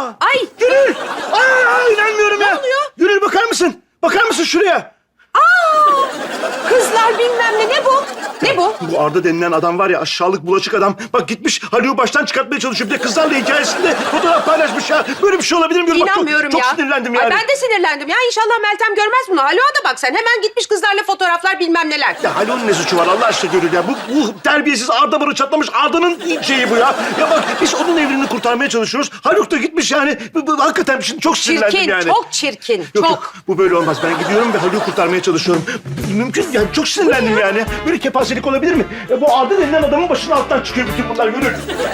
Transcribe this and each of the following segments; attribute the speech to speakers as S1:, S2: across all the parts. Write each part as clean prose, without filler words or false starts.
S1: Ay!
S2: Gönül! Aa, inanmıyorum ya.
S1: Ne oluyor?
S2: Gönül bakar mısın? Bakar mısın şuraya?
S1: Kızlar bilmem ne bu? Ne bu?
S2: Bu Arda denilen adam var ya, aşağılık bulaşık adam. Bak gitmiş Haluk'u baştan çıkartmaya çalışıyor. Bir de kızlarla hikayesinde fotoğraf paylaşmış ya. Böyle bir şey olabilir mi? Bak,
S1: İnanmıyorum
S2: çok
S1: ya.
S2: sinirlendim
S1: Ay,
S2: yani.
S1: ben de sinirlendim ya. İnşallah Meltem görmez bunu. Haluk'a da bak sen. Hemen gitmiş kızlarla fotoğraflar bilmem neler.
S2: Ya Haluk'un ne suçu var Allah aşkına Gönül ya? Bu terbiyesiz Arda barı çatlamış. Arda'nın şeyi bu ya. Ya bak biz onun evliliğini kurtarmaya çalışıyoruz. Haluk da gitmiş yani. Hakikaten şimdi çok sinirlendim
S1: Çirkin,
S2: yani.
S1: çok çirkin.
S2: Yok,
S1: çok.
S2: yok, bu böyle olmaz. Ben gidiyorum ve Haluk'u kurtarmaya çalışıyorum. Mümkün yani, çok sinirlendim yani. Böyle kepazelik olabilir mi? Bu Arda denilen adamın başının altından çıkıyor bütün bunlar Gönül.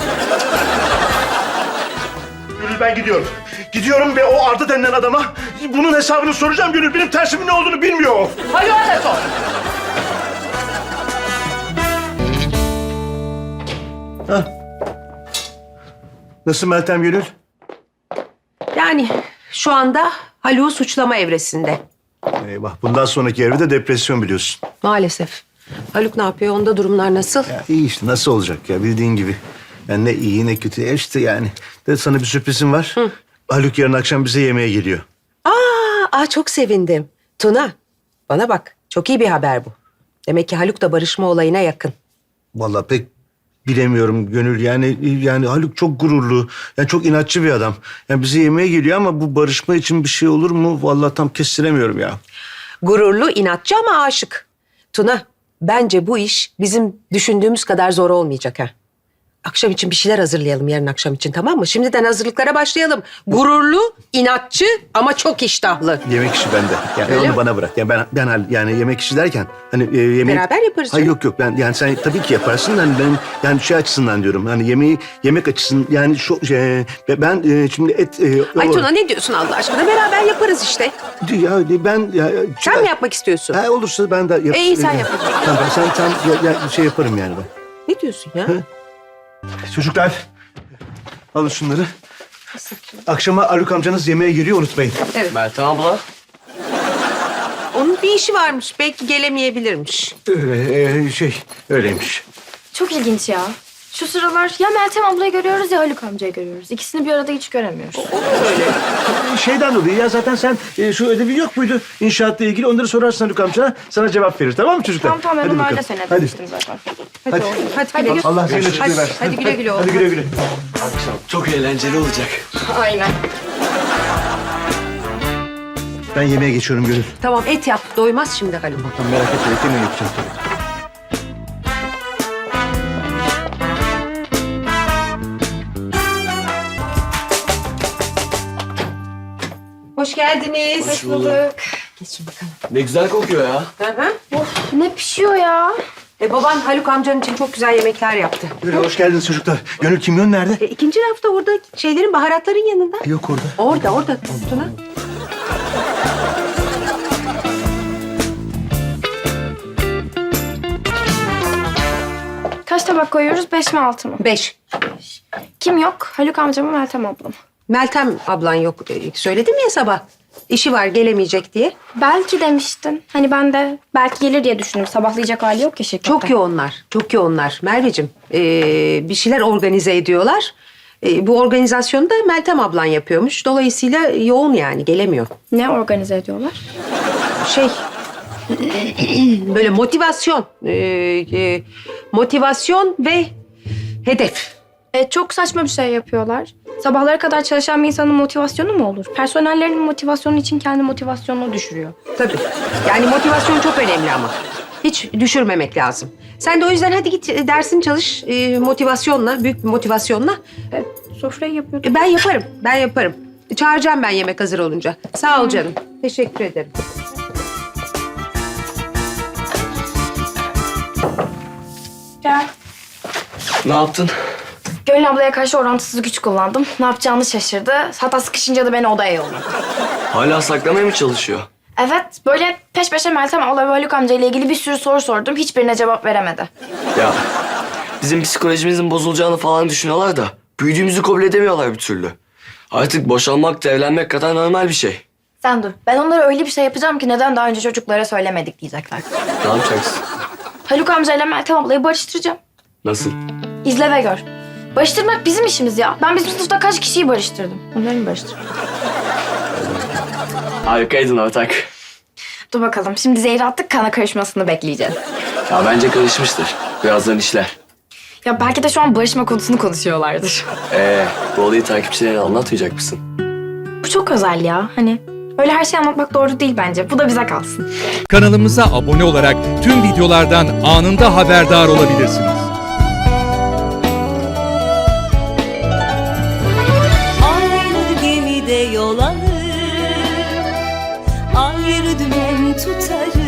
S2: Gönül ben gidiyorum. Gidiyorum ve o Arda denilen adama bunun hesabını soracağım Gönül. Benim tersimin ne olduğunu bilmiyor o.
S1: Haluk'a da sor.
S2: Nasıl Meltem Gönül?
S1: Yani şu anda Haluk'u suçlama evresinde.
S2: Eyvah, bundan sonraki evde depresyon biliyorsun.
S1: Maalesef. Haluk ne yapıyor? Onda durumlar nasıl?
S2: Ya iyi işte, nasıl olacak ya, bildiğin gibi. Yani ne iyi ne kötü işte yani. De sana bir sürprizim var. Haluk yarın akşam bize yemeğe geliyor.
S1: Çok sevindim. Tuna, bana bak. Çok iyi bir haber bu. Demek ki Haluk da barışma olayına yakın.
S2: Vallahi pek bilemiyorum Gönül. Yani Haluk çok gururlu. Yani çok inatçı bir adam. Yani bize yemeğe geliyor ama bu barışma için bir şey olur mu? Vallahi tam kestiremiyorum ya.
S1: Gururlu, inatçı ama aşık. Tuna, bence bu iş bizim düşündüğümüz kadar zor olmayacak ha. Akşam için bir şeyler hazırlayalım yarın akşam için, tamam mı? Şimdiden hazırlıklara başlayalım. Gururlu, inatçı ama çok iştahlı.
S2: Yemek işi bende. Yani
S1: Öyle
S2: onu
S1: mi?
S2: bana bırak. Yani yani yemek işi derken hani yemeği...
S1: Beraber yaparız
S2: Hayır
S1: canım.
S2: yok ben yani sen tabii ki yaparsın. Hani benim yani şey açısından diyorum. Hani yemek açısından yani ben şimdi et...
S1: Ay Tuna, ne diyorsun Allah aşkına? Beraber yaparız işte. Sen mi yapmak istiyorsun?
S2: Ha, olursa ben de yaparım.
S1: İyi, sen yap.
S2: Tamam sen şey yaparım yani ben.
S1: Ne diyorsun ya?
S2: Çocuklar alın şunları. Akşama Haluk amcanız yemeğe geliyor, unutmayın.
S1: Evet.
S3: Meltem abla.
S1: Onun bir işi varmış. Belki gelemeyebilirmiş.
S2: Öyleymiş.
S4: Çok ilginç ya. Şu sıralar ya Meltem ablayı görüyoruz ya Haluk amcayı görüyoruz. İkisini bir arada hiç göremiyoruz.
S2: Şeyden dolayı ya zaten sen şu ödevi yok muydu inşaatla ilgili, onları sorarsın Haluk amcana, sana cevap verir, tamam mı çocuklar?
S4: Tamam ben
S2: Hadi
S4: onlarla
S2: bakalım.
S4: seni
S2: Hadi.
S4: demiştim zaten.
S1: Hadi oğlum. Hadi güle güle.
S2: Allah seni açıklığı
S1: Hadi,
S2: versin.
S1: hadi güle güle oğlum.
S2: Hadi güle güle.
S3: Akşam çok eğlenceli olacak.
S4: Aynen.
S2: Ben yemeğe geçiyorum Gönül.
S1: Tamam, et yap. Doymaz şimdi Haluk.
S2: Tamam, merak etme, yemeği yapacağım.
S1: Hoş geldiniz.
S4: Hoş bulduk.
S1: Geçin bakalım.
S3: Ne güzel kokuyor ya.
S1: Hı hı.
S4: Ne pişiyor ya?
S1: Baban Haluk amcanın için çok güzel yemekler yaptı.
S2: Gönül hoş geldiniz çocuklar. Gönül kimyon nerede?
S1: İkinci rafta orada şeylerin, baharatların yanında.
S2: Yok orada.
S1: Orada Tuna.
S4: Kaç tabak koyuyoruz? 5 mi 6 mı?
S1: 5.
S4: Kim yok? Haluk amca mı Meltem abla mı?
S1: Meltem ablan yok. Söyledim ya sabah. İşi var, gelemeyecek diye.
S4: Belki demiştin. Hani ben de belki gelir diye düşündüm. Sabahlayacak hali yok ya şirkette.
S1: Çok yoğunlar. Çok yoğunlar. Merveciğim, bir şeyler organize ediyorlar. Bu organizasyonu da Meltem ablan yapıyormuş. Dolayısıyla yoğun yani, gelemiyor.
S4: Ne organize ediyorlar?
S1: Şey, böyle motivasyon. Motivasyon ve hedef.
S4: Çok saçma bir şey yapıyorlar. Sabahlara kadar çalışan bir insanın motivasyonu mu olur? Personellerinin motivasyonu için kendi motivasyonunu düşürüyor.
S1: Tabii. Yani motivasyon çok önemli ama. Hiç düşürmemek lazım. Sen de o yüzden hadi git dersini çalış motivasyonla, büyük bir motivasyonla.
S4: Sofrayı yapıyordum.
S1: Ben yaparım. Çağıracağım ben yemek hazır olunca. Sağ ol canım. Teşekkür ederim.
S4: Gel.
S3: Ne yaptın?
S4: Gönül ablaya karşı orantısız güç kullandım. Ne yapacağını şaşırdı. Hatta sıkışınca da beni odaya yolladı.
S3: Hala saklamaya mı çalışıyor?
S4: Evet, böyle peş peşe Meltem abla ve Haluk amca ile ilgili bir sürü soru sordum. Hiçbirine cevap veremedi.
S3: Ya bizim psikolojimizin bozulacağını falan düşünüyorlar da büyüdüğümüzü kabul edemiyorlar bir türlü. Artık boşanmak da evlenmek kadar normal bir şey.
S4: Sen dur. Ben onlara öyle bir şey yapacağım ki neden daha önce çocuklara söylemedik diyecekler.
S3: Ne yapacaksın?
S4: Haluk amca ile Meltem ablayı barıştıracağım.
S3: Nasıl?
S4: İzle ve gör. Barıştırmak bizim işimiz ya. Ben bizim sınıfta kaç kişiyi barıştırdım? Onları mı barıştırdım?
S3: Harikaydın ortak.
S4: Dur bakalım. Şimdi zehri attık, kana karışmasını bekleyeceğiz.
S3: Ya bence karışmıştır. Birazdan işler.
S4: Ya belki de şu an barışma konusunu konuşuyorlardır.
S3: Bu olayı takipçilerine anlatmayacak mısın?
S4: Bu çok özel ya. Hani öyle her şeyi anlatmak doğru değil bence. Bu da bize kalsın.
S5: Kanalımıza abone olarak tüm videolardan anında haberdar olabilirsiniz.
S6: Aynı gemide yol alır, ayrı dümen tutarız.